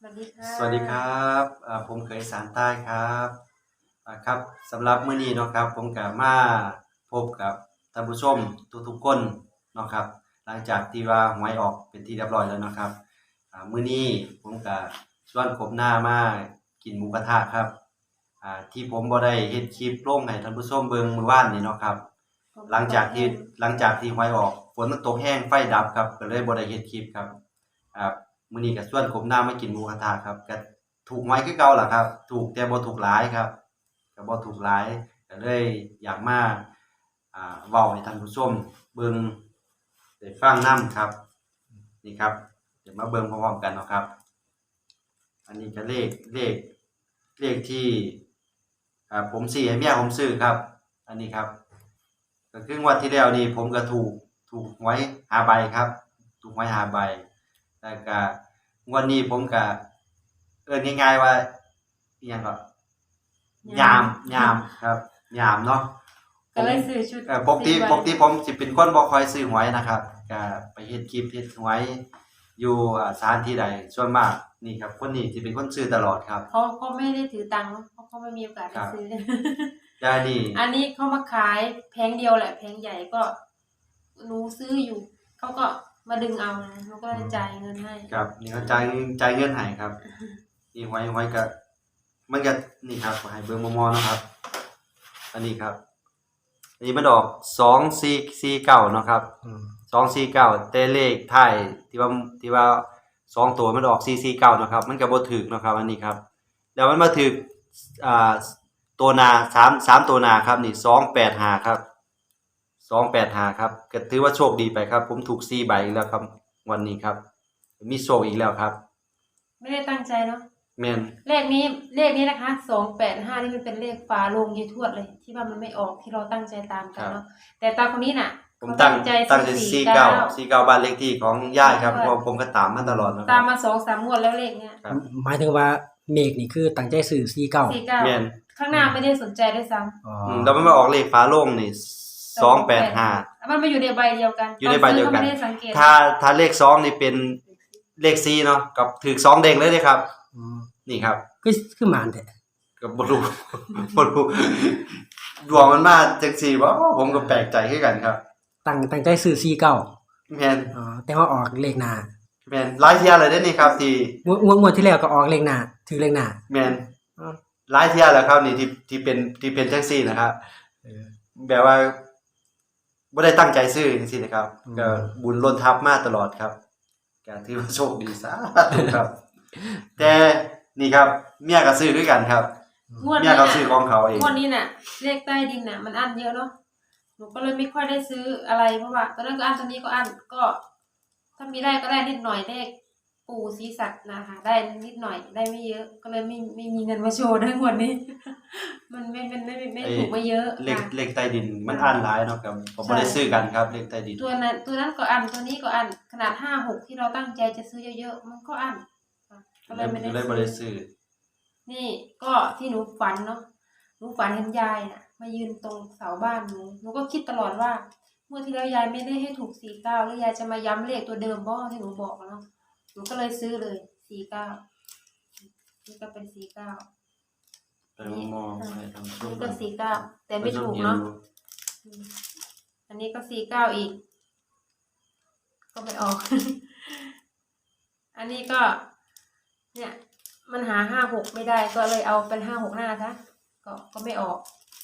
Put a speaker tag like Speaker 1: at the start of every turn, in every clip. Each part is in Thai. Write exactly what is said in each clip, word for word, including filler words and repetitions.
Speaker 1: วัสดีค่ะ
Speaker 2: สวัสดีครับอ่าผมเคยสารใต้ครับอ่าครับสำหรับมื้อนี้เนาะครับผมก็มาพบกับท่านผู้ชมทุกๆคนเนาะครับหลังจากที่ว่าหวยออกเป็นที่เรียบร้อยแล้วเนาะครับอ่ามื้อนี้ผมก็ชวนครบหน้ามากินหมูกระทะครับอ่าที่ผมบ่ได้เฮ็ดคลิปลงให้ท่านผู้ชมเบิ่งมื้อวานนี้เนาะครับหลังจากที่หลังจากที่หวยออกฝนมันตกแห้งไฟดับครับก็เลยบ่ได้เฮ็ดคลิปครับอ่า มื้อนี้ก็ชวนผมหน้ามากินหมูกระทะครับก็ถูกหวยคือเก่าล่ะครับถูกแต่บ่ถูกหลายครับก็บ่ถูกหลายก็เลยอยากมาอ่าเว้าให้ท่านผู้ชมเบิ่งได้ฟังนำครับนี่ครับเดี๋ยวมาเบิ่งพร้อมๆกันเนาะครับอันนี้ก็เลขเลขเลขที่อ่าผมสิให้เมียผมซื้อครับอันนี้ครับก็คืองวดที่แล้วนี่ผมก็ถูกถูกหวยห้าใบครับถูกหวยห้าใบแล้วก็งวดนี้ผมก็เอิ้นง่ายๆว่าอิหยังก็ยามยามครับยามเนาะ
Speaker 1: ก็เลยซื้อชุด
Speaker 2: เอ่อปกติปกติผมสิเป็นคนบ่ค่อยซื้อหวยนะครับก็ไปเฮ็ดคลิปเฮ็ดหวยอยู่อ่าสถานที่ใดส่วนมากนี่ครับคนนี้สิเป็นคนซื้อตลอดครับ
Speaker 1: เขาเขาไม่ได้ถือตังค์เพราะเขาไม่มีโอกาสได้ซื้อ
Speaker 2: แต่อันนี้
Speaker 1: อันนี้เขามาขายแผงเดียวแหละแผงใหญ่ก็หนูซื้ออยู่เขาก็มาดึงเอานะหนูก็เลยจ่ายเงินให้
Speaker 2: ครับนี่เขาจ่ายจ่ายเงินให้ครับนี่หวยหวยก็มันก็นี่ครับให้เบิ่งมอๆเนาะครับอันนี้ครับอันนี้มันออกสองสี่สี่เก้าเนาะครับ
Speaker 3: อืม
Speaker 2: สองสี่เก้าแต่เลขท้ายที่ว่าที่ว่าสองตัวมันออกสี่สี่เก้าเนาะครับมันก็บ่ถูกเนาะครับอันนี้ครับแล้วมันมาถูกอ่าตัวหน้าสาม สามตัวหน้าครับนี่สองแปดห้าครับสองแปดห้าครับก็ถือว่าโชคดีไปครับผมถูกสี่ใบอีกแล้วครับวันนี้ครับมีโชคอีกแล้วครับ
Speaker 1: ไม่ได้ตั้งใจเนาะ
Speaker 2: แม่น
Speaker 1: เลขนี้เลขนี้นะคะสองแปดห้านี่มันเป็นเลขฝาโลงยายทวดเลยที่ว่ามันไม่ออกที่เราตั้งใจตามกันเนาะแต่ตาคนนี้น่ะ
Speaker 2: ผมตั้งตั้งใจสี่เก้าสี่เก้าบ้านเลขที่ของย่าครับเพราะผมก็ตามมาตลอดนะค
Speaker 1: ตา
Speaker 2: รั
Speaker 1: ม
Speaker 2: บ
Speaker 1: มาสองสามงวดแล้วเลขเนี้ย
Speaker 2: ครับ
Speaker 3: หมายถึงว่าเมฆนี่คือตั้งใจซื้อสี่เก้า
Speaker 1: สี่เก้า
Speaker 2: แม่น
Speaker 1: ข้างหน้าไม่ได้สนใจด้วยซ้ำ
Speaker 3: อ๋อ
Speaker 2: อืมแล้วมันมาออกเลขฟ้าโล่งนี่สองแปดห้า
Speaker 1: มันมาอยู่ในใบเดียวกัน
Speaker 2: อยู่ในใบเดียวกัน
Speaker 1: ไม่ได้สังเกต
Speaker 2: ถ้าถ้าเลขสองนี่เป็นเลขสี่เนาะกับถูกสองเด้งเลยเด้ครับ
Speaker 3: อืม
Speaker 2: นี่ครับ
Speaker 3: คือคือหมานแท้
Speaker 2: ก็บ่รู้ บ่รู้ดวงมันมาจังซี่บ่ผมก็แปลกใจคือกันครับ
Speaker 3: ตั้งตั้งใจซื้อสี่เก้า
Speaker 2: แม่น
Speaker 3: อ๋อแต่ว่าออกเลขหน้า
Speaker 2: แม่นหลายเที่ยเลยเด้นี่ครับที่
Speaker 3: งวดงวดงวดที่แล้วก็ออกเลขหน้าถือเลขหน้า
Speaker 2: แม่นหลายเที่ยแล้วครับนี่ที่ที่เป็นที่เป็นจังซี่นะครับ
Speaker 3: เออ
Speaker 2: แบบว่าบ่ได้ตั้งใจซื้อจังซี่นะครับก็บุญล้นทับมาตลอดครับก็ถือว่าโชคดีสาธุครับ แต่นี่ครับเมียก็ซื้อด้วยกันครับ
Speaker 1: งวด
Speaker 2: เมีย
Speaker 1: นี้
Speaker 2: เขาซื้อของเขาเอง
Speaker 1: งวดนี้น่ะเลขใต้ดินน่ะมันอั้นเยอะเนาะหนูก็เลยไม่ค่อยได้ซื้ออะไรเพราะว่าตอนนั้นก็อั้นตอนนี้ก็อั้นก็ ถ้ามีได้ก็ได้นิดหน่อยเลขปู่ศรีสัตว์นะคะได้นิดหน่อยได้ไม่เยอะ ก็เลยไม่ไม่มีเงินมาโชว์ทั้งหมดนี้ มันไม่ไม่ไม่ไม่ถูกมาเยอะ
Speaker 2: เลขเลขใต้ดินมันอั้นหลายเนาะครับผมบ่ได้ซื้อกันครับเลขใต้ดิน
Speaker 1: ตัวนั้นตัวนั้นก็อั้นตัวนี้ก็อั้นขนาดห้าหกที่เราตั้งใจจะซื้อเยอะๆมันก็อั้นก็เลยไม่ได้
Speaker 2: เลยบ่ได้ซื้อ
Speaker 1: นี่ก็ที่หนูฝันเนาะหนูฝันเห็นยายน่ะมายืนตรงเสาบ้านหนูหนูก็คิดตลอดว่าเมื่อที่แล้วยายไม่ได้ให้ถูกสี่เก้าแล้วยายจะมาย้ำเลขตัวเดิมบ่ที่หนูบอกเนาะหนูก็เลยซื้อเลยสี่เก้านี่ก็เป็นสี่เก้า
Speaker 2: ไปมองไปทาง
Speaker 1: นี่ก็สี่เก้าแต่ไม่ถูกเนาะอันนี้ก็สี่เก้าอีกก็ไม่ออก อันนี้ก็เนี่ยมันหาห้าหกไม่ได้ก็เลยเอาเป็นห้าหกหน้าซะก็ก็ไม่ออก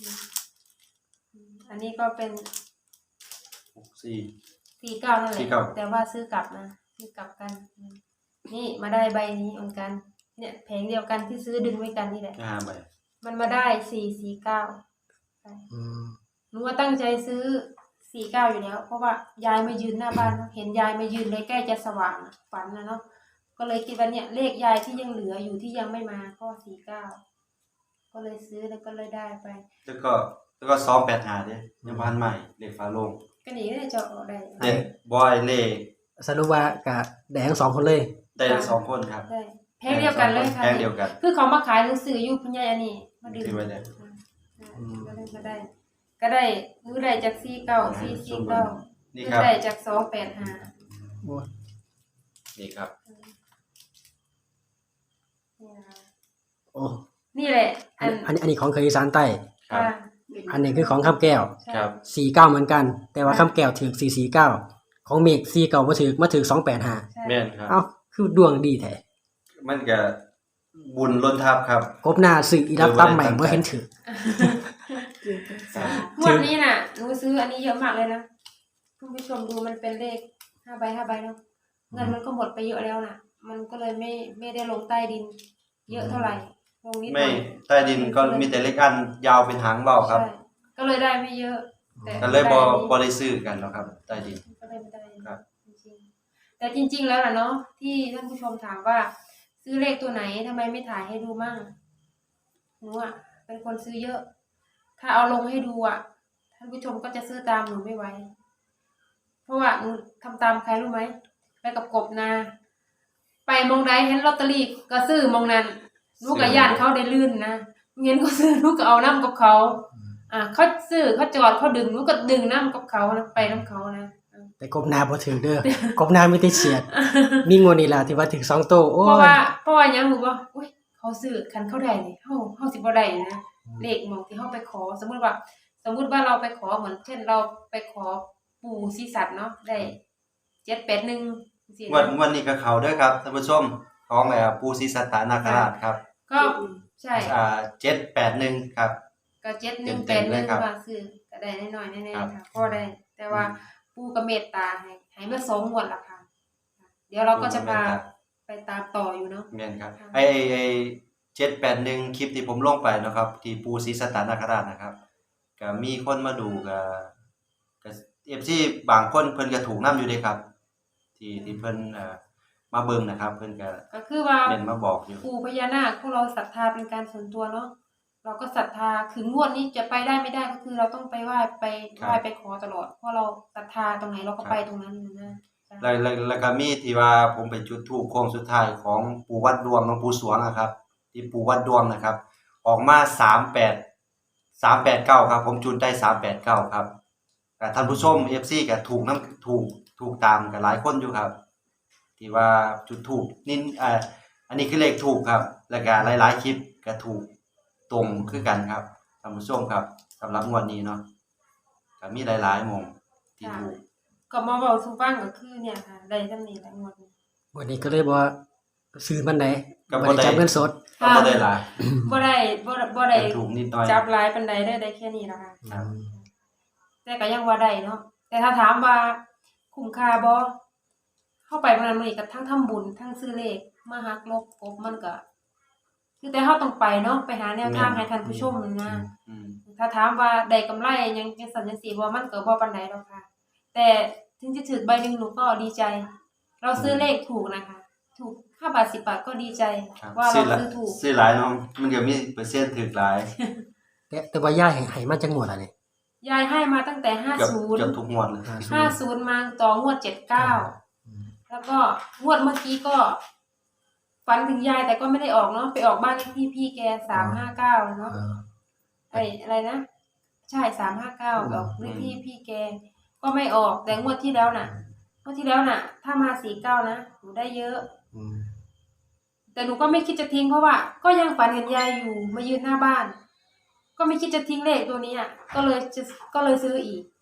Speaker 1: อันนี้ก็เป็น
Speaker 2: สี่
Speaker 1: สี่เก้านั่นแหละแต่ว่าซื้อกลับนะซื้อกลับกันนี่มาได้ใบนี้เหมือนกันเนี่ยแผงเดียวกันที่ซื้อดึงไว้กันนี่แหละ
Speaker 2: ห้าใบ
Speaker 1: มันมาได้สี่สี่เก้าหนูว่าตั้งใจซื้อสี่เก้าอยู่แล้วเพราะว่ายายมายืนหน้าบ้านเห็นยายมายืนเลยใกล้จะสว่างฝันนะเนาะก็เลยคิดว่าเนี่ยเลขยายที่ยังเหลืออยู่ที่ยังไม่มาก็สี่เก้าก็เลยซื้อแล้วก็เลยได้ไป
Speaker 2: แล้วก็แล้วก็สองแปดห้าเด้ยังบ้านใหม่เลขฟ้าโล่ง
Speaker 1: ก็นี่ก็จะออกได้
Speaker 2: เด้บอยเลข
Speaker 3: สรุปว่าก็ได้ทั้งสองคนเลย
Speaker 2: ได้ทั้งสองคนครับ
Speaker 1: ได้แพงเดียวกันเลยค่ะ
Speaker 2: แพงเดียวกัน
Speaker 1: คือเขามาขายหนังสืออยู่พุ่นใหญ่อันนี้มาดึง
Speaker 2: ที่ไว้ได้
Speaker 1: ก็ได้ก็ได้ก็ได้รู้ได้จากสี่เก้าสี่สี่เก้า
Speaker 2: นี่ครับ
Speaker 1: ได้จากสองแปดห้า
Speaker 2: นี่ครับ
Speaker 3: นอันนี้ของเคยอีสานใต้
Speaker 2: ครับ
Speaker 1: ค่ะ
Speaker 3: อันนี้คือของคำแก้ว
Speaker 1: ใช่
Speaker 2: ครับ
Speaker 3: สี่เก้าเหมือนกัน แต่ว่าคำแก้วถือสี่สี่เก้าของเมฆสี่เก้ามาถือมาถือสองแปดห้า
Speaker 1: ใช่
Speaker 2: แม่นครับ
Speaker 3: เอ้าคือดวงดีแท้
Speaker 2: มันก็บุญล้นทับครับ
Speaker 3: กบหน้าซื้ออีรับตั้มใหม่บ่เห็นถือ
Speaker 1: งวดนี้น่ะหนูซื้ออันนี้เยอะมากเลยนะคุณผู้ชมดูมันเป็นเลขห้าใบห้าใบเนาะเงินมันก็หมดไปเยอะแล้วน่ะ มันก็เลยไม่ไม่ได้ลงใต้ดิน เยอะเท่าไหร่ลงนิดหน่
Speaker 2: ไม่
Speaker 1: อย
Speaker 2: ใต้ดินก็มีแต่เล็กอันยาวเป็นหางเบาครับ
Speaker 1: ใช่ก็เลยได้ไม่เยอะแต่
Speaker 2: ก็เลยบ่
Speaker 1: ได้อันนี้
Speaker 2: บ่ได้ซื้อกันแล้วครับ ใต้ดิน
Speaker 1: ก็ได้ไม่ได้
Speaker 2: ครับ
Speaker 1: จริงๆแต่จริง ๆ แล้วน่ะเนาะที่ท่านผู้ชมถามว่า ซื้อเลขตัวไหนทำไมไม่ถ่ายให้ดูมั่งหนูอ่ะเป็นคนซื้อเยอะ ถ้าเอาลงให้ดูอ่ะท่านผู้ชมก็จะซื้อตามหนูไม่ไหวเพราะว่าหนูทำตามใครรู้ไหมไปกับกบนาไปมองใดเห็นลอตเตอรี่ก็ซื้อมองนั้นหนูกับย่านเขาได้ลื่นนะเงินก็ซื้อหนูก็เอาน้ำกับเขาอ่ะเขาซื้อเขาจอดเขาดึงหนูก็ดึงน้ำกับเขานะไปน้ำเขานะ
Speaker 3: แต่กบหน้าบ่ถือเด้อกบหน้ามีแต่เฉียด มีงวดนี้ล่ะที่ว่าถือสองโตโอ้
Speaker 1: เพราะ
Speaker 3: ย
Speaker 1: ว่าเพราะว่าหยังรู้บ่อุ้ยเขาซื้อคันเขาได้นี่เฮาเฮาสิบ่ได้นะเลขหมองที่เฮาไปขอ สมมุติว่า สมมุติว่าเราไปขอเหมือนเช่นเราไปขอปู่ศรีสัตว์เนาะได้เจ็ด แปด หนึ่งจังซี่
Speaker 2: งวด
Speaker 1: นะ
Speaker 2: งวดนี้ก็เข้าเด้อครับท่านผู้ชมของเอ่อปู่ศรีสัตตนาคราชครับ
Speaker 1: ก็ใช่
Speaker 2: อ่าเจ็ดแปดหนึ่งครับ
Speaker 1: ก็เจ็ด หนึ่ง
Speaker 2: เต็
Speaker 1: แป
Speaker 2: ม
Speaker 1: ด
Speaker 2: ๆ
Speaker 1: ห
Speaker 2: เล
Speaker 1: นึ่
Speaker 2: ย
Speaker 1: ง
Speaker 2: ครับ
Speaker 1: ว่าซื้อก็ได้น้อยๆแน่
Speaker 2: ครับ
Speaker 1: ๆค่ะพอได้ แต่ว่าปู่ก็เมตตาให้ให้มาสองงวดละค่ะ เดี๋ยวเราก็จะพาไปตามต่ออยู่เนาะ
Speaker 2: แม่นครับ
Speaker 1: ค่ะ
Speaker 2: ไอ้ไอ้ไอ้เจ็ดแปดหนึ่งคลิปที่ผมลงไปนะครับ ที่ปู่ศรีสัตตนาคราชนะครับก็มีคนมาดูก็ก็ เอฟ ซี บางคนเพิ่นก็ถูกนํอยู่เด้ครับ ที่ที่เพิ่นเอ่อมาเบิ่งนะครับ เพิ่นก็
Speaker 1: ก็คือว่า
Speaker 2: เน้นมาบอกอยู่
Speaker 1: ปู่พญานาคพวกเราศรัทธาเป็นการส่วนตัวเนาะเราก็ศรัทธาคืองวดนี้จะไปได้ไม่ได้ก็คือเราต้องไปไหว้ไป
Speaker 2: ครับ
Speaker 1: ไหว้ไปขอตลอดเพราะเราศรัทธาตรงไหนเราก็
Speaker 2: ครับ
Speaker 1: ไปตรงนั้นนะใช่
Speaker 2: แล้วแล้วแล้วก็มีที่ว่าผมไปจุดธูปโค้งสุดท้ายของปู่วัดดวงหลวงปู่สวงอะครับ ที่ปู่วัดดวงนะครับ ออกมาสามแปด สามแปดเก้าครับ ผมจุดได้สามแปดเก้าครับก็ท่านผู้ชม เอฟ ซี ก็ถูกนํถูกถูกตามกันหลายคนอยู่ครับ ที่ว่าจุดถูกนี่เอ่ออันนี้คือเลขถูกครับ แล้วก็หลายๆคลิปก็ถูกตรงคือกันครับท่านผู้ชมครับสำหรับงวดนี้เนาะก็มีหลายๆหม่องที่ถูก
Speaker 1: ก็มาเว้าสู่ฟังก็คือเนี่ยค่ะได้จังนี้แหละงวดนี้
Speaker 3: งวดนี้ก็เลยบ่ซื้อมันใด
Speaker 2: ก็บ่
Speaker 3: บ่
Speaker 2: ได้
Speaker 3: ได้จับเงินสด
Speaker 2: ก็บ่ได้หลาย
Speaker 1: บ่ได้บ่ได้บ่ได้
Speaker 2: แต่ถูกนิดหน่อย
Speaker 1: จับหลายปานใดได้ได้แค่นี้ล่ะค่ะ
Speaker 2: ครับ
Speaker 1: แต่ก็ยังว่าได้เนาะแต่ถ้าถามว่าคุ้มค่าบ่เข้าไปมื้อนั้นมื้อนี้ก็ทั้งทำบุญทั้งซื้อเลขมาหักลบกบมันก็คือแต่เฮาต้องไปเนาะไปหาแนวทางให้ท่านผู้ชมนะ
Speaker 2: อืม
Speaker 1: ถ้าถามว่าได้กำไรหยังจังซั่นจังซี่บ่มันก็บ่ปานใดหรอกค่ะ แต่ถึงจะถูกใบหนึงหนูก็ดีใจ เราซื้อเลขถูกนะคะ ถูกห้าบาทสิบบาทก็ดีใจ
Speaker 2: ครับ
Speaker 1: ว่า
Speaker 2: ซื้
Speaker 1: เรา
Speaker 2: อหลาย
Speaker 1: ซื้อถูก
Speaker 2: ซื้อหลายเนาะมันก็มีเปอร์เซ็นต์ถูกหลาย
Speaker 3: แต่แต่ว่าย่าให้ให้มาจังงวดอ่ะนี่
Speaker 1: ยายให้มาตั้งแต่
Speaker 2: เกือบ
Speaker 1: 50
Speaker 2: เกือบทุกงวดเลย
Speaker 3: ห้าสิบ
Speaker 1: 50มาต่องวดเจ็ดเก้าแล้วก็งวดเมื่อกี้ก็ฝันถึงยายแต่ก็ไม่ได้ออกเนาะไปออกบ้านเลขที่พี่แกสามห้าเก้าเนาะ
Speaker 3: เออ
Speaker 1: ไอ้อะไรนะใช่สามห้าเก้าออกเลขที่พี่แกก็ไม่ออกแต่งวดที่แล้วน่ะงวดที่แล้วน่ะ ถ้ามาสี่เก้านะหนูได้เยอะ
Speaker 3: อืม
Speaker 1: แต่หนูก็ไม่คิดจะทิ้งเพราะว่า ก็ยังฝันเห็นยายอยู่มายืนหน้าบ้าน ก็ไม่คิดจะทิ้งเลขตัวนี้อ่ะก็เลยจะก็เลยซื้ออีก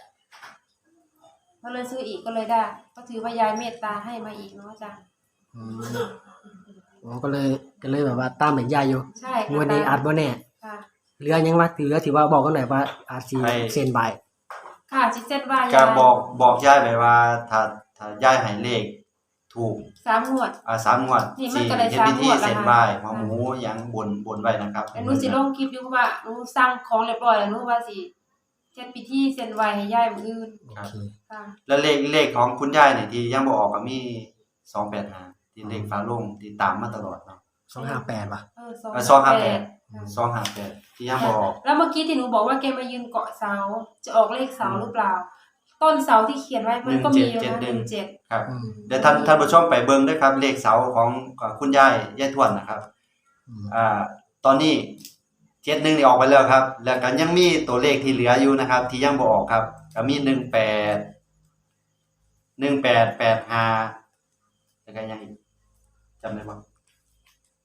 Speaker 1: ก็เลยซื้ออีกก็เลยได้ ก็ถือว่ายายเมตตาให้มาอีกเนาะจ้ะ
Speaker 3: อืมอ๋อก็เลยก็เลยแบบว่าตามแบบย่าอยู่
Speaker 1: ใช่
Speaker 3: งวดนี้อาจบ่แน่
Speaker 1: ค่ะ
Speaker 3: เหลือยังว่าเหลือที่ว่าบอกกันหน่อยว่าอาจสิเซ็นใบ
Speaker 1: ค่ะจิตเซตว่ายา
Speaker 2: ก็
Speaker 1: ย
Speaker 2: บอกบอกยายไปว่า ถ้าถ้ายายให้เลขถูก
Speaker 1: สามงวด
Speaker 2: อ่าสามงวด
Speaker 1: นี่มัน
Speaker 2: สี่
Speaker 1: ก็ได้
Speaker 2: เฮ็ด
Speaker 1: สาม
Speaker 2: พิธี
Speaker 1: งวดแล้ว
Speaker 2: เส้น
Speaker 1: ค่ะ
Speaker 2: ไหว้หัวหมูหยังบนบนไว้นะครับ
Speaker 1: แต่หนูสิลงคลิปอยู่เพราะว่าหนูสั่งของเรียบร้อยแล้วหนูว่าสิเฮ็ดพิธีเซ็นไว้ให้ยายมื้ออื่น
Speaker 3: โอเค
Speaker 1: ค่ะ
Speaker 2: แล้วเลขเลขของคุณยายนี่ที่ยังบ่ออกก็มีสองแปดห้าที่เลขฟ้าโลงที่ตามมาตลอดเนาะ
Speaker 3: สองห้าแปดป่ะ
Speaker 1: เออ
Speaker 2: เออสองห้าแปด
Speaker 1: ค่ะ
Speaker 2: สองห้าแปดที่ยังบ่ออก
Speaker 1: แล้วเมื่อกี้ที่หนูบอกว่าแกมายืนเกาะเสาจะออกเลขเสาหรือเปล่า ต้นเสาที่เขียนไว้มันก็มีอยู่นะหนึ่งเจ็ด
Speaker 2: ครับ
Speaker 3: อืม
Speaker 2: เดี๋ยวท่านท่านผู้ชมไปเบิ่งด้วยครับ เลขเสาของของคุณยายยายทวดนะครับ
Speaker 3: อืม
Speaker 2: อ่า ตอนนี้เจ็ดหนึ่งนี่ออกไปแล้วครับ แล้วก็ยังมีตัวเลขที่เหลืออยู่นะครับ ที่ยังบ่ออกครับก็มีหนึ่งแปด หนึ่งแปดแปดห้าแล้วก็ยังอีกจำได้บ่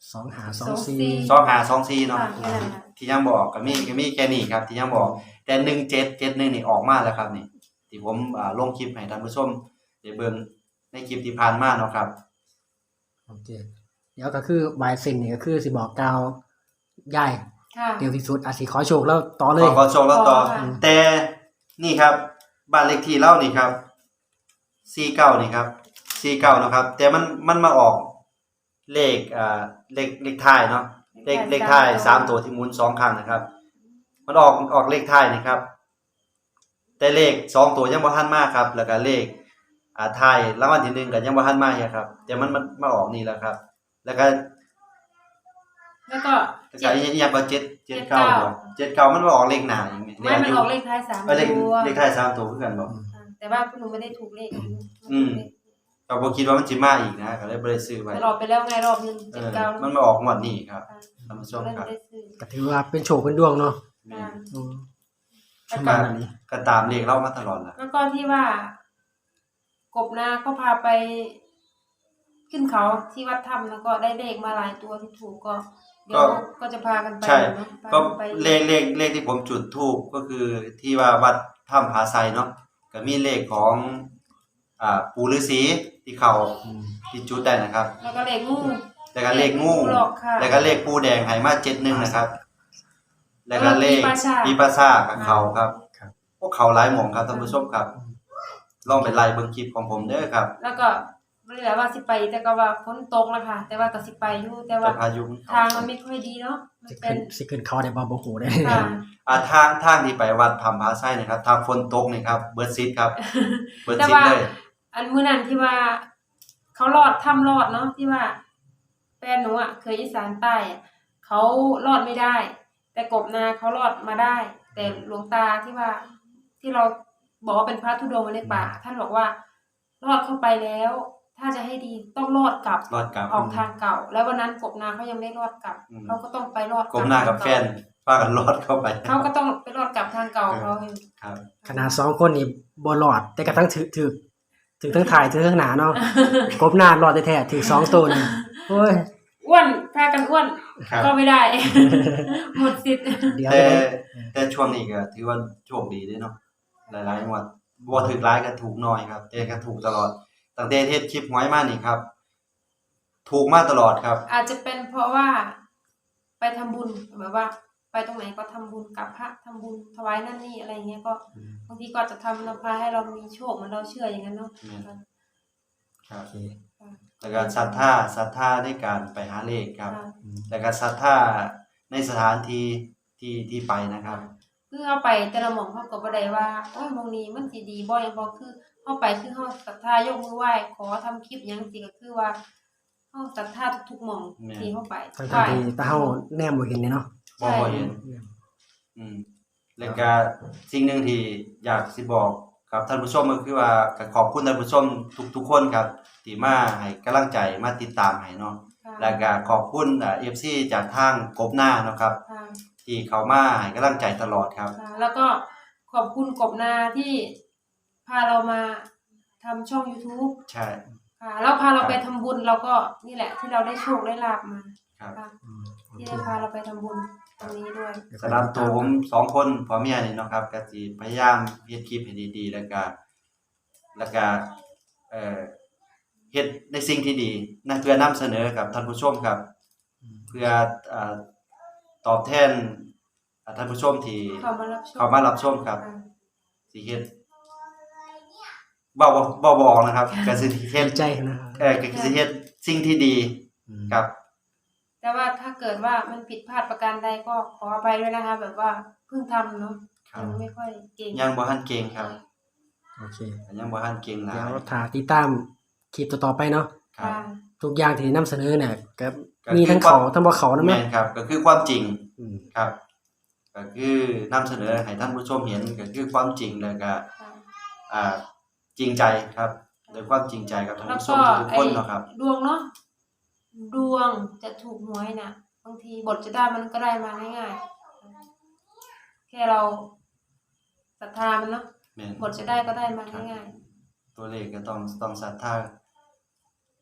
Speaker 3: สองหาสองสี่
Speaker 2: สองห้าสองสี่เนาะ
Speaker 1: ค่ะแค่นั้นค่ะ
Speaker 2: ที่ยังบอกก็มีก็มีแค่นี้ครับ ที่ยังบอกแต่หนึ่งเจ็ดเจ็ดหนึ่งนี่ออกมาแล้วครับนี่ที่ผมอ่าลงคลิปให้ท่านผู้ชมได้เบิ่งในคลิปที่ผ่านมาเนาะครับ
Speaker 3: โอเคเดี๋ยวก็คือวายเซนนี่ก็คือสิบอกกล่าวยาย
Speaker 1: ค่ะ
Speaker 3: เดี๋ยวที่สุดอาจสิขอโชคแล้วต่อเล
Speaker 2: ข
Speaker 3: ย
Speaker 2: อขอโชว์แล้วต่อ
Speaker 1: ขอค่ะ
Speaker 2: แต่นี่ครับบ้านเลขที่เล่านี่ครับสี่เก้านี่ครับสี่เก้านะครับ แต่มันมันมาออกเลขอ่าเลขเลขท้ายเนาะเลขเลขท้ายสามตัวที่หมุนสองครั้งนะครับ มันออกออกเลขท้ายนี่ครับ แต่เลขสองตัวยังบ่ทันมาครับ แล้วก็เลขอ่าท้ายรางวัลที่หนึ่งก็ยังบ่ทันมาเนี่ยครับ แต่มันมันมาออกนี่แล้วครับ แล้วก็
Speaker 1: แล้วก็
Speaker 2: แล้วก็อีกอย่างก็เจ็ดเจ็ด
Speaker 1: เก้า
Speaker 2: เก้าบ่เจ็ดเก้ามันมาออกเลขหน้าอย่างเงี้ย
Speaker 1: ไม่มันออกเลขท้ายสาม
Speaker 2: เออเลข
Speaker 1: ตัว
Speaker 2: เลขท้ายสามตัวคือกันบ่
Speaker 1: ค่ะแต่ว่าพวกหนูไม่ได้ถูกเลข
Speaker 2: อืม ก็บ่คิดว่ามันสิมาอีกนะก็เลยบ่ได้ซื้อไว้
Speaker 1: มันออกไปแล้วไงรอบหนึง
Speaker 2: เอ
Speaker 1: เจ็ด
Speaker 2: อ
Speaker 1: เก้า
Speaker 2: มันมาออกงวดนี้ครับ
Speaker 1: ค่ะ
Speaker 2: ท่านผู้ชม
Speaker 1: เลย
Speaker 2: ค
Speaker 1: ไม่
Speaker 2: รับ
Speaker 1: ได้ซื้อ
Speaker 3: ก็ถือว่าเป็นโชคเป็นดวงเนาะ
Speaker 2: แม่
Speaker 1: ค่ะ
Speaker 2: น
Speaker 3: อืม
Speaker 1: แล้ว
Speaker 3: ป
Speaker 1: ก็
Speaker 3: ระมาณนี้
Speaker 2: ก็ตามเลขเรามาตลอดล่ะ
Speaker 1: แล้วก็ที่ว่า กบนาก็พาไปขึ้นเขาที่วัดถ้ำแล้วก็ได้เลขมาหลายตัวที่ถูกก็ เดี๋ยวก็จะพากันไป
Speaker 2: ใช่
Speaker 1: เนาะพา
Speaker 2: ก็
Speaker 1: กันไป
Speaker 2: เลขเลขเลขที่ผมจุดธูปก็คือที่ว่าวัดถ้ำผาไซเนาะก็มีเลขของอ่าปู่ฤาษีที่เขา
Speaker 3: อืม
Speaker 2: ที่จุดได้นะครับ
Speaker 1: แล้วก็เลขงู
Speaker 2: แล้วก็เลขงู
Speaker 1: หลอกค่ะ
Speaker 2: แล้วก็เลขปูแดงไหมาเจ็ดหนึ่งนะครับ แล้วก็เลข
Speaker 1: ปีปราสาท
Speaker 2: ปีปราสาทกับเขาครับ
Speaker 3: ครับ
Speaker 2: พวกเขาหลายหม่องครับท่านผู้ชมครับ ลองไปไล่เบิ่งคลิปของผมเด้อครับ
Speaker 1: แล้วก็ไม่ได้ว่าสิไป แต่ก็ว่าฝนตกแล้วค่ะ แต่ว่าก็สิไปอยู่แต่ว่า
Speaker 2: แต่พายุมันเข้
Speaker 1: ทางมันไม่ค่อยดีเนาะมัน
Speaker 3: สิ
Speaker 1: เป็
Speaker 3: ขึ้
Speaker 1: น
Speaker 3: นสิขึ้นเขาได้บ่บ่ฮู้ได้
Speaker 1: ค่ะ
Speaker 2: อ่าทางทางที่ไปวัดถ้ำผาไซนะครับถ้าฝนตกนี่ครับเบิดซิดครับเบิด
Speaker 1: แต่
Speaker 2: ซิด
Speaker 1: ว่า
Speaker 2: เลย
Speaker 1: อันมื้อนั้นที่ว่า เขารอดถ้ำรอดเนาะที่ว่าแฟนหนูอ่ะเคยอีสานใต้อะเขารอดไม่ได้ แต่กบนาเขารอดมาได้ แต่หลวงตาที่ว่า ที่เราบอกว่าเป็นพระธุดงค์ในป่า ท่านบอกว่ารอดเข้าไปแล้ว ถ้าจะให้ดีต้องรอดกลับ
Speaker 2: รอดกลับ
Speaker 1: ออกทางเก่า แล้ววันนั้นกบนาเขายังไม่รอดกลับ
Speaker 2: อืม
Speaker 1: เขาก็ต้องไปรอด
Speaker 2: กลมหน้ากับแฟนป้ากันรอดเข้าไป
Speaker 1: เขาก็ต้องไปรอดกลับทางเก่าเขา
Speaker 2: ครับ
Speaker 3: ขนาดสองคนนี่บ่รอด แต่กระทั่งถือถือถือทั้งถ่ายถือทั้งหนาเนาะกบหน้ารอดแท้ๆถือสองตัวนี่โอ้ย
Speaker 1: อ้วนพากันอ้วน
Speaker 2: ครับ
Speaker 1: ก็ไม่ได้ หมดสิทธิ์
Speaker 3: เดี๋ยว
Speaker 2: แต่
Speaker 3: จะได้
Speaker 2: แต่ช่วงนี้ก็ถือว่าโชคดีเด้เนาะหลายๆงวดบ่ถูกหลายก็ถูกน้อยครับ แต่ก็ถูกตลอดตั้งแต่เฮ็ดคลิปหวยมานี่ครับ ถูกมาตลอดครับ
Speaker 1: อาจจะเป็นเพราะว่าไปทำบุญแบบว่า ไปตรงไหนก็ทำบุญกับพระทำบุญถวายนั่นนี่อะไรเงี้ยก็บางทีก็จะทำนำพาให้เรามีโชคเหมือนเราเชื่ออย่างนั้นเนาะ
Speaker 2: อืม ครับ
Speaker 3: โอเค
Speaker 2: แล้วก็ศรัทธาศรัทธาในการไปหาเลขครับ
Speaker 1: ค่ะ
Speaker 2: แล้วก็ศรัทธาในสถานที่ที่ที่ไปนะครับ
Speaker 1: คือเอาไปแต่ละหม่องเขาก็บ่ได้ว่าโอ้ยหม่องนี้มันสิดีบ่หยังบ่คือเฮาไปคือเฮาศรัทธายกมือไหว้ขอทำคลิปหยังสิก็คือว่าเฮาศรัทธาทุกๆหม่อง
Speaker 2: แม่น
Speaker 1: ที่เฮาไป
Speaker 3: ทั้งๆที่ตาเฮาแนมบ่เห็นเลยเนาะ
Speaker 2: บ่บ่เห็น อืมแล้วก็สิ่งหนึ่งที่อยากสิบอกกับท่านผู้ชมก็คือว่าก็ขอบคุณท่านผู้ชมทุกๆคนครับที่มาให้กำลังใจมาติดตามให้เนาะ
Speaker 1: ค่ะ
Speaker 2: แล้วก็ขอบคุณอ่า เอฟ ซี จากทางกบหน้าเนาะครับ
Speaker 1: ค่ะ
Speaker 2: ที่เขามาให้กำลังใจตลอดครับ
Speaker 1: ค่ะแล้วก็ขอบคุณกบนาที่พาเรามาทำช่อง YouTube
Speaker 2: ใช่
Speaker 1: ค่ะแล้วพาเรา
Speaker 2: ครับ
Speaker 1: ไปทำบุญเราก็นี่แหละที่เราได้โชคได้ลาบมา
Speaker 2: ครับ
Speaker 1: ค่ะ
Speaker 3: อืมโอ
Speaker 1: ที่
Speaker 3: เค
Speaker 1: ได้พาเราไปทำบุญตรงนี้ด้วย
Speaker 2: สำหรับตัวผมสองคนพ่อเมียนี่เนาะครับก็สิพยายามเฮ็ดคลิปให้ดีๆแล้วก็แล้วก็เอ่อเฮ็ดในสิ่งที่ดีนะเพื่อนำเสนอกับท่านผู้ชมครับ เพื่ออ่าตอบแทนอ่าท่านผู้ชมที่
Speaker 1: เข้ามารับชม
Speaker 2: เข้ามารับชมครับ
Speaker 1: ค่ะ
Speaker 2: สิเฮ็ดเว้าบ่เว้าบ่ออกนะครับก็สิเฮ็ด
Speaker 3: ดีใจนะครับ
Speaker 2: เอ่อก็สิเฮ็ดสิ่งที่ดี
Speaker 3: อืม
Speaker 2: ครับ
Speaker 1: แต่ว่าถ้าเกิดว่ามันผิดพลาดประการใดก็ขออภัยด้วยนะคะ แบบว่าเพิ่งทำเนาะ
Speaker 2: ครับ
Speaker 1: ยังไม่ค่อยเก่ง
Speaker 2: ยังบ่ทันเก่งครับ
Speaker 3: โอเค
Speaker 2: ยังบ่ทันเก่งหลา
Speaker 3: เดี๋ย
Speaker 2: ยว
Speaker 3: ถ้าติดตามคลิปต่อๆไปเนาะ
Speaker 2: ครับ
Speaker 1: ค่ะ
Speaker 3: ทุกอย่างที่นำเสนอเนี่ยก็
Speaker 2: ก็
Speaker 3: มีทั้ง
Speaker 2: คือควา
Speaker 3: เขา
Speaker 2: ม
Speaker 3: ทั้งบ่เขานะแม่
Speaker 2: แม่นครับ ก็คือความจริง
Speaker 3: อืม
Speaker 2: ครับ ก็คือนำเสนอให้ท่านผู้ชมเห็นก็คือความจริงแล้วก็
Speaker 1: ค่ะ
Speaker 2: อ่าจริงใจครับโดยความจริงใจกับท่าน
Speaker 1: แล้ว
Speaker 2: ผู้ช
Speaker 1: ก็
Speaker 2: มทุกๆ
Speaker 1: ไอ้
Speaker 2: คนเนาะครับ
Speaker 1: ดวงเนาะดวงจะถูกหวยน่ะ บางทีบทจะได้มันก็ได้มาง่ายๆแค่เราศรัทธามันเนาะ
Speaker 2: แม่น
Speaker 1: บทจะได้ก็ได้มาง่าย
Speaker 2: ตัวเลขก็ต้องต้องศรัทธา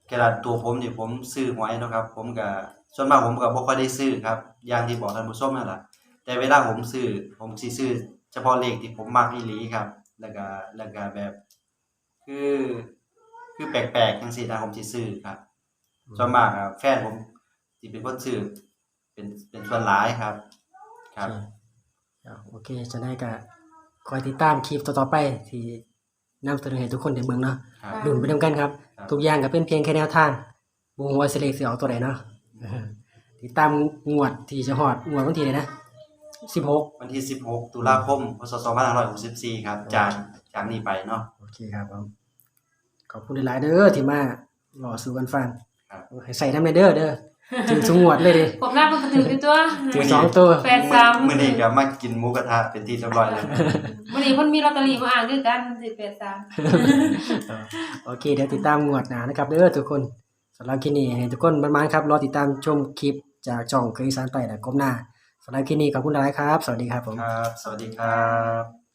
Speaker 2: กระดาษตัวผมนี่ผมซื้อหวยเนาะครับผมก็ส่วนมากผมก็บ่ค่อยได้ซื้อครับอย่างที่บอกท่านผู้ชมนั่นล่ะแต่เวลาผมซื้อผมสิซื้อเฉพาะเลขที่ผมมักอีหลีครับแล้วก็แล้วก็แบบคือคือแปลกๆจังซี่นะผมสิซื้อครับส่วนมากอะแฟนผมสิเป็นคนซื้อเป็นเป็นส่วนหลายครับครับ
Speaker 3: โอเคจะได้ก็คอยติดตามคลิปต่อๆไปที่นำเสนอให้ทุกคนได้เบิ่งเนาะ
Speaker 2: ครับ
Speaker 3: ลุ้นไปนํกันครับ
Speaker 2: ครับ
Speaker 3: ทุกอย่างก็เป็นเพียงแค่แนวทางบ่ฮู้ว่าสิเลขสิออกตัวใดเนาะติดตามงวดที่จะฮอดงวดวันที่ใดนะสิบหก
Speaker 2: วันที่สิบหกตุลาคมพศสองพันห้าร้อยหกสิบสี่ครับจากจากนี้ไปเนาะ
Speaker 3: โอเคครับผมขอบคุณหลายๆเด้อที่มารอสู่กันฟัง
Speaker 2: ครับ
Speaker 3: ให้ใส่นำเด้อเด้อถึงสงวดเลยดิ
Speaker 1: ผมหน้ามันก็ถืออยู่ตัว
Speaker 3: ถึงสองตัว
Speaker 1: แปดสาม
Speaker 2: มื้อนี้ก็มากินหมูกระทะเป็นที่เรียบร้อยแล้ว
Speaker 1: วันนี้เพิ่นมีลอตเตอรี่มาอ่านด้วยกันสิแปดสาม
Speaker 3: โอเคเดี๋ยวติดตามงวดหน้านะครับเด้อทุกคนสำหรับคลิปนี้ให้ทุกคนมันๆครับรอติดตามชมคลิปจากช่องเคยอีสานใต้และก้มหน้าสำหรับคลิปนี้ขอบคุณหลายครับ สวัสดีครับผม
Speaker 2: ครับ สวัสดีครับ